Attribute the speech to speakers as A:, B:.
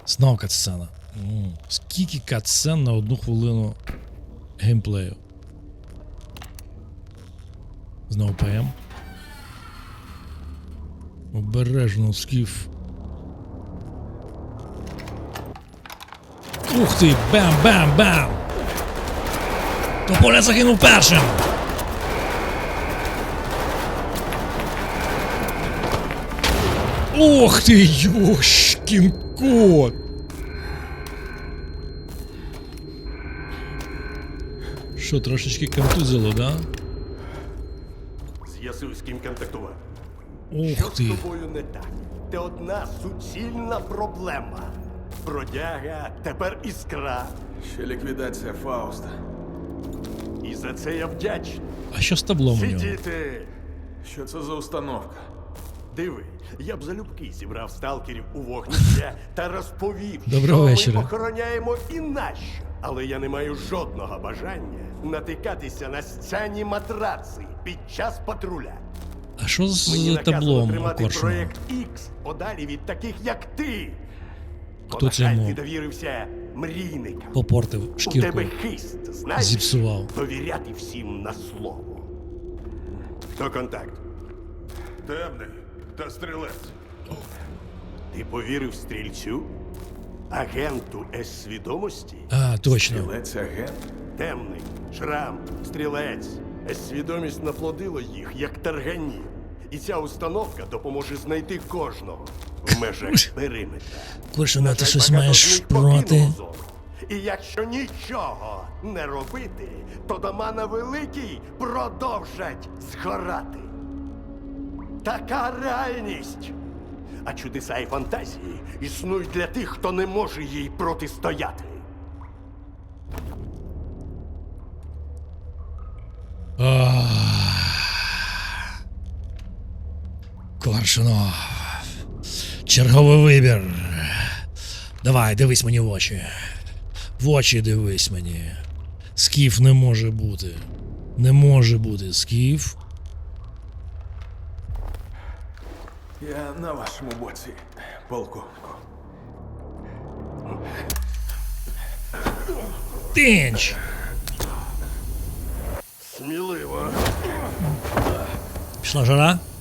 A: Знов катсцена. Скільки катсцен на 1 хвилину геймплею? Знову ПМ. Обережно, Скіф. Ух ти! Бам-бам-бам! Тополя загинув першим! Ох ти, йошкін кот! Що, трошечки контузило, да?
B: З'ясуй, з ким контактувати.
A: Ух ти!
B: Що з тобою не так? Ти одна суцільна проблема. Бродяга, тепер іскра.
C: Ще ліквідація Фауста.
B: І за це я вдячний.
A: А що з таблом у нього?
B: Сидіти!
C: Що це за установка?
B: Диви, я б залюбки зібрав сталкерів у вогнище та розповів,
A: Доброго
B: що
A: вечора.
B: ми охороняємо і нащо. Але я не маю жодного бажання натикатися на сцяні матраци під час патруля.
A: А що з
B: Мені наказано
A: таблом у
B: тримати
A: Коршуна?
B: проєкт X подалі від таких, як ти.
A: Хто це
B: Бо, на жаль,
A: йому?
B: ти довірився мрійникам.
A: Попортив
B: У
A: шкірку.
B: тебе хист, знаєш?
A: Зіпсував.
B: Довіряти всім на слово. Хто контакт?
D: Темний та стрілець.
B: Ти повірив стрільцю? Агенту С-свідомості?
A: А, точно.
C: Стрілець агент?
B: Темний, шрам, стрілець. С-свідомість наплодило їх, як таргані. І ця установка допоможе знайти кожного в межах периметра.
A: Коршуна,
B: На
A: ти
B: жаль,
A: щось
B: багато
A: маєш
B: з них
A: проти?
B: покинуло зону. І якщо нічого не робити, то дома на Великій продовжать згорати. Така реальність. А чудеса і фантазії існують для тих, хто не може їй протистояти.
A: Коршунов. Черговий вибір. Давай, дивись мені в очі. В очі дивись мені. Скіф не може бути. Не може бути Скіф.
C: Я на вашому боці, полковнику.
A: Тинч!
B: Сміливо.
A: Пішла жара?